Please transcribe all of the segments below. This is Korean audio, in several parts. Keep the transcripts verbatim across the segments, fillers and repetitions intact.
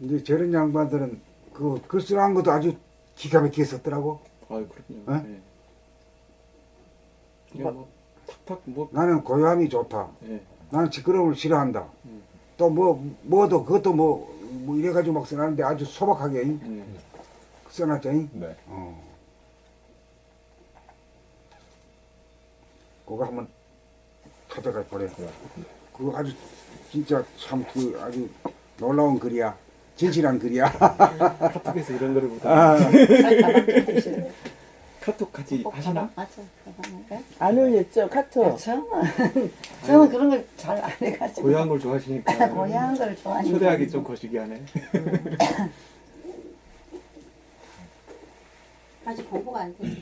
이제 저런 양반들은 그 글쓰는 것도 아주 기가 막히게 썼더라고. 아 그렇군요. 어? 네. 그냥 뭐 탁탁 뭐. 나는 고요함이 좋다. 네. 나는 시끄러움을 싫어한다. 음. 또 뭐 뭐도 그것도 뭐, 뭐 이래가지고 막 써놨는데 아주 소박하게 네. 써놨죠. 네. 어. 그거 한번 찾아가 보래. 그거 아주 진짜 참 그 아주 놀라운 글이야. 진실한 글이야. 카톡에서 이런 거를 보다. 아, 카톡 같이 하시나? 맞아. 가방에. 안 올렸죠 카톡. 그렇죠. 저는 그런 걸 잘 안 해가지고. 고향 걸 좋아하시니까. 고향 걸 좋아하니까. 초대하기 좀 거시기 하네. 아직 공부가 안 돼.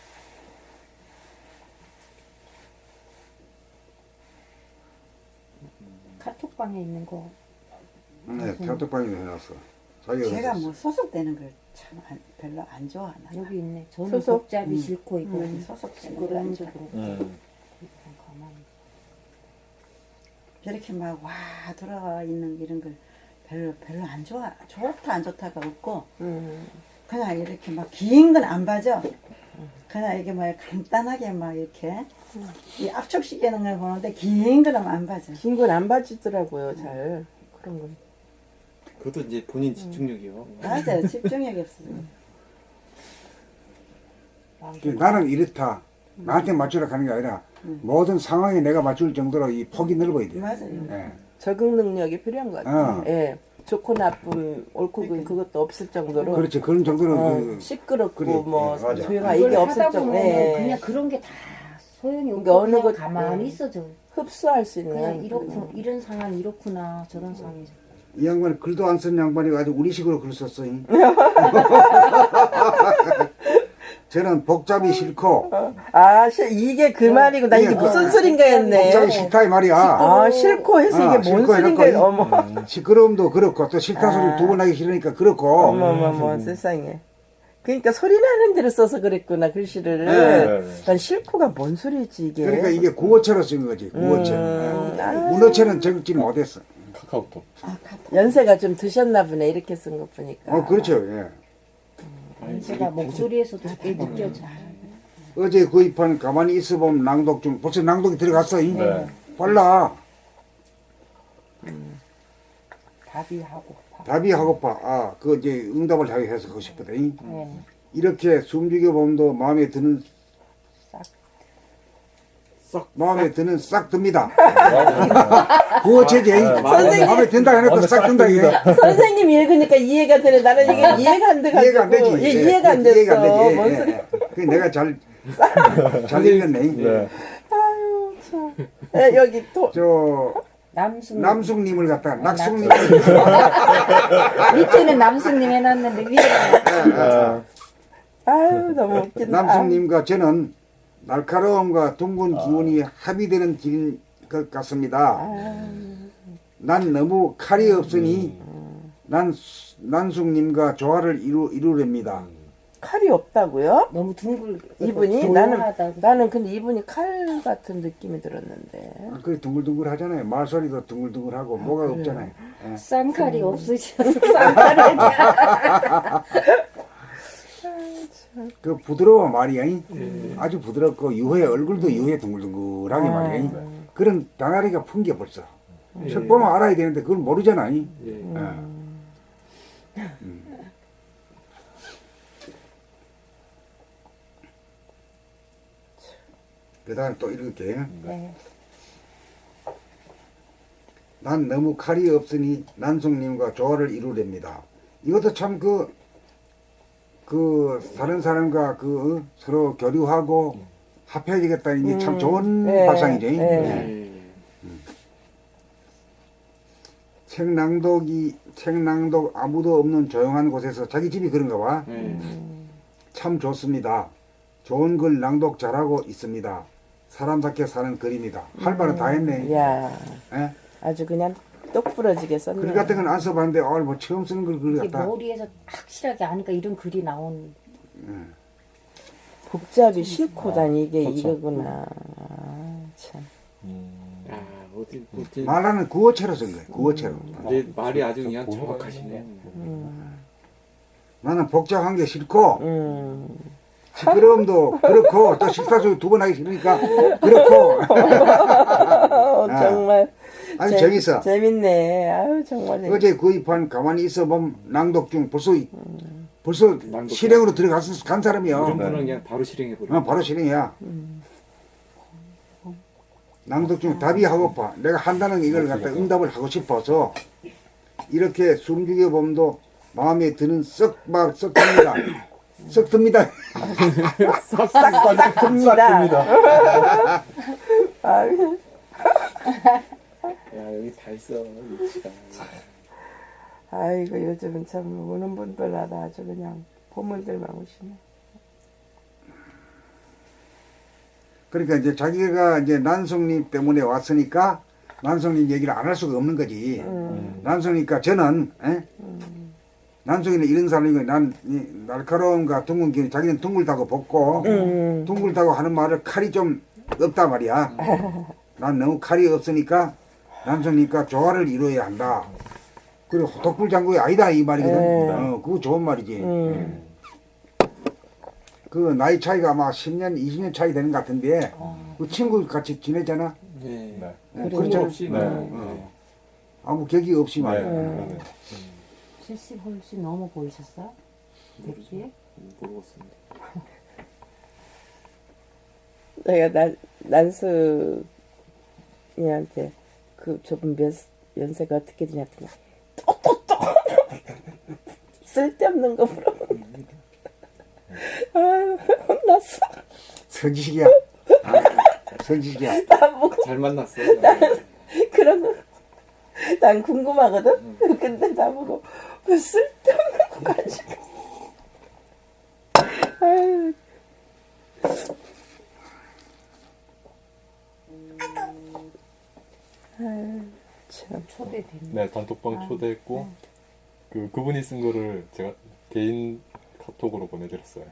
카톡방에 있는 거. 네, 카톡방에 해놨어. 자기가 제가 그랬어. 뭐 소속되는 걸 참 별로 안 좋아하나. 여기 있네. 저는 소속? 복잡이 음. 싫고 이거 음, 소속되는 걸 그런 안 좋아. 쪽으로 음. 가만히. 저렇게 막 와 돌아가 있는 이런 걸 별로 별로 안 좋아. 좋다 안 좋다가 없고 음. 그냥 이렇게 막 긴 건 안 봐죠. 그냥 이게 막 간단하게 막 이렇게 이 압축시키는 걸 보는데 긴 거는 안 봐죠. 긴 건 안 봐주더라고요 잘 그런 건. 그것도 이제 본인 집중력이요. 맞아요. 집중력이 없어요. 그 나는 이렇다. 나한테 맞추라 하는 게 아니라 모든 상황에 내가 맞출 정도로 이 폭이 넓어야 돼. 맞아요. 예. 적응 능력이 필요한 것 같아요. 어. 예. 좋고 나쁨, 옳고 그름 그것도 없을 정도로. 그렇지. 그런 정도로 어, 그, 시끄럽고 그래, 뭐 예, 맞아. 조용하 이걸 이게 없을 하다 정도. 보면 예. 그냥 그런 게 다 소용이 없고 그러니까 어느 그냥 것- 가만히 음. 있어져. 흡수할 수 있는. 그냥 이렇구 이런 상황 이렇구나 저런 상황이. 이 양반이 글도 안 쓴 양반이 아주 우리식으로 글 썼어. 잉. 저는 복잡이 싫고 아, 시- 이게 그 말이고 나 이게 이게 무슨 소린가 했네. 복잡이 싫다 이 말이야. 아, 싫고 해서 아, 이게 뭔 싫고 소린가. 해놓고 어머. 시끄러움도 그렇고 또 싫다 소리 두 번 하기 싫으니까 그렇고 어머머머 세상에. 그러니까 소리 나는 대로 써서 그랬구나 글씨를. 네. 난 싫고가 뭔 소리지 이게. 그러니까 이게 구어체로 쓴 거지. 구어체. 음, 예. 아. 문어체는 적지 못했어. 카카오톡. 아, 카톡. 연세가 좀 드셨나 보네 이렇게 쓴 거 보니까. 어 그렇죠. 예. 제가 목소리에서도 그게 느껴져. 어제 구입한 가만히 있어보면 낭독 중 벌써 낭독이 들어갔어. 잉. 네. 빨라. 답이 하고. 답이 하고파. 아, 그 이제 응답을 자기 해서 하고 싶거든. 네. 이렇게 숨죽여 보면도 마음에 드는 썩. 마음에 드는 싹 듭니다. 맞아요. 구어체지. 선생님. 마음에 든다 해놓고 마음에 싹 싹 든다 이게. 선생님 읽으니까 이해가 되네. 나는 이게 이해가 안 돼가지고. 이해가 안 되지. 예, 예, 이해가 안 됐어. 이해가 안 되지. 뭔 예, 소리. 예. 그 내가 잘, 잘 읽었네. 네. 아유 참. 예, 여기 또 저 남순 남숙님을 갖다가 낙숙님. 밑에는 남순님 해놨는데 위에는 아, 아유 너무 웃긴다. 남숙님과 저는 날카로움과 둥근 기운이 합의되는 길인 것 같습니다. 난 너무 칼이 없으니 난 수- 난숙님과 조화를 이루, 이루렵니다. 칼이 없다고요? 너무 둥글. 이분이 나는 조용하다고. 나는 근데 이분이 칼 같은 느낌이 들었는데. 아, 그 둥글둥글 하잖아요. 말소리도 둥글둥글하고 뭐가 없잖아요. 예. 쌍칼이 없으셔서 쌍칼에 그 부드러워 말이야. 잉? 아주 부드럽고 유해 얼굴도 유해 둥글둥글하게 말이야. 잉? 그런 나날이가 풍겨 벌써. 책 보면 알아야 되는데 그걸 모르잖아. 잉? 예. 예. 그 다음에 또 읽을게. 네. 난 너무 칼이 없으니 난숙님과 조화를 이루렵니다. 이것도 참 그, 그, 다른 사람과 그, 어? 서로 교류하고 합해야겠다는 게 참 좋은 네, 발상이죠. 네. 예. 책 낭독이, 책 낭독 아무도 없는 조용한 곳에서 자기 집이 그런가 봐. 예. 참 좋습니다. 좋은 글 낭독 잘하고 있습니다. 사람답게 사는 글입니다. 할 말은 다 했네. 야 예? 아주 그냥 똑부러지게 썼네. 글 같은 건 안 써봤는데, 어, 뭐 처음 쓰는 글, 글 이게 같다. 머리에서 확실하게 아니까 이런 글이 나온. 복잡이 싫고 난 이게 그렇죠. 이거구나. 아, 참. 음. 아, 어디 어디 말하는 구어체로 쓴 거예요. 구어체로. 이제 말이 아주 저 그냥 보는 거 정확하시네. 음. 나는 복잡한 게 싫고 음. 시끄러움도 그렇고 또 식사도 두 번 하기 싫으니까 그렇고 어, 정말 아주 재- 재밌어. 재밌네. 아유 정말 재밌. 어제 구입한 가만히 있어 보면 낭독 중 벌써 이- 벌써 낭독 실행으로 들어가서 간 사람이야. 이런 분은 그냥 바로 실행해 버려. 어, 바로 실행이야. 낭독 중 답이 하고파. 내가 한다는 이걸 갖다 응답을 하고 싶어서 이렇게 숨죽여 보면도 마음에 드는 썩막 썩 듭니다. 썩 듭니다. 싹싹 듭니다. 아유, 야 여기 다 있어 위치가. 아이고 요즘은 참 우는 분들마다 아주 그냥 보물들만 오시네. 그러니까 이제 자기가 이제 난성님 때문에 왔으니까 난성님 얘기를 안 할 수가 없는 거지. 음. 난성이니까 저는 에? 난성이는 이런 사람이고 난 이 날카로움과 둥근 기운 자기는 둥글다고 벗고 음. 둥글다고 하는 말을 칼이 좀 없단 말이야. 난 너무 칼이 없으니까 난성이니까 조화를 이루어야 한다. 그리고 독불장군이 아니다 이 말이거든. 네. 어, 그거 좋은 말이지. 음. 그 나이 차이가 아마 십 년, 이십 년 차이 되는 것 같은데 그 친구 같이 지내잖아. 네. 네. 어, 그런 그렇죠. 거 없이 네. 네. 아무 격이 없이 네. 말이야. 네. 칠십 훨씬 넘어 보이셨어요? 됐지? 모르겠습니다. 내가 난 난수이한테 그 저분 몇 연세가 어떻게 되냐더니 또또또 쓸데없는 거 물어. 아유 혼났어. 선지식이야. 아, 선지식이야. 잘 만났어. 그런 거. 난 궁금하거든. 근데 나보고 왜 쓸데없는 거 가지고. 아유. 아유 참. 초대됐네. 네, 단톡방 초대했고 그 그분이 쓴 거를 제가 개인 카톡으로 보내드렸어요.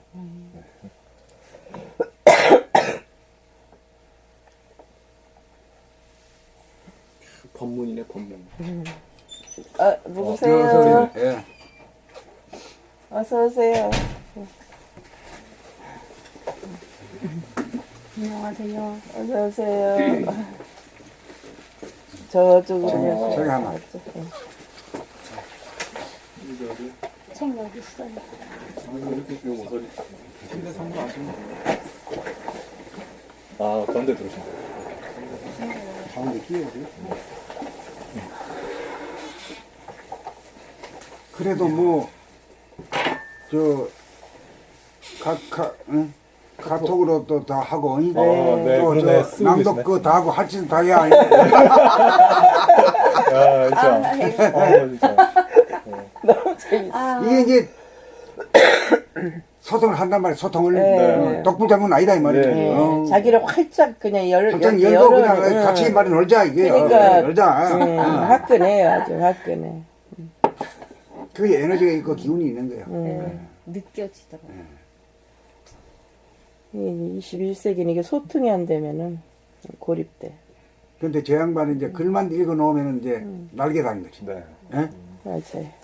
법문이네 법문. 아 누구세요? 예. 어서 오세요. 안녕하세요. 어서 오세요. 저쪽으로. 저기 하나. 책 여기 있어요. 이렇게 그 모서리. 침대 상도 아시면 아, 가운데 들어오신 가운데 끼워도 그래도 뭐, 저, 카, 카, 응? 카톡으로 또 다 하고, 응? 아, 네, 또 그러네. 저 쓰고 낭독 계시네. 그거 다 하고 할 짓 다 해야. 아, 진짜. 아, 진짜. 너무 재밌어. 아, 이게 이제 소통을 한단 말이야, 소통을. 네. 어, 독불장군 아니다, 이 말이야. 네. 네, 어. 자기를 활짝 그냥 열, 갑자기 열- 열고 열어, 그냥 응. 같이 말이 놀자, 이게. 그러니까, 어, 놀자. 응, 어. 화끈해요, 아주 화끈해. 그게 에너지가 있고 기운이 있는 거야. 네, 느껴지더라고요. 이 이십일 세기는 이게 소통이 안 되면은 고립돼. 근데 저 양반이 이제 글만 읽어 놓으면 이제 날개 다는 거지. 네. 예? 맞아요.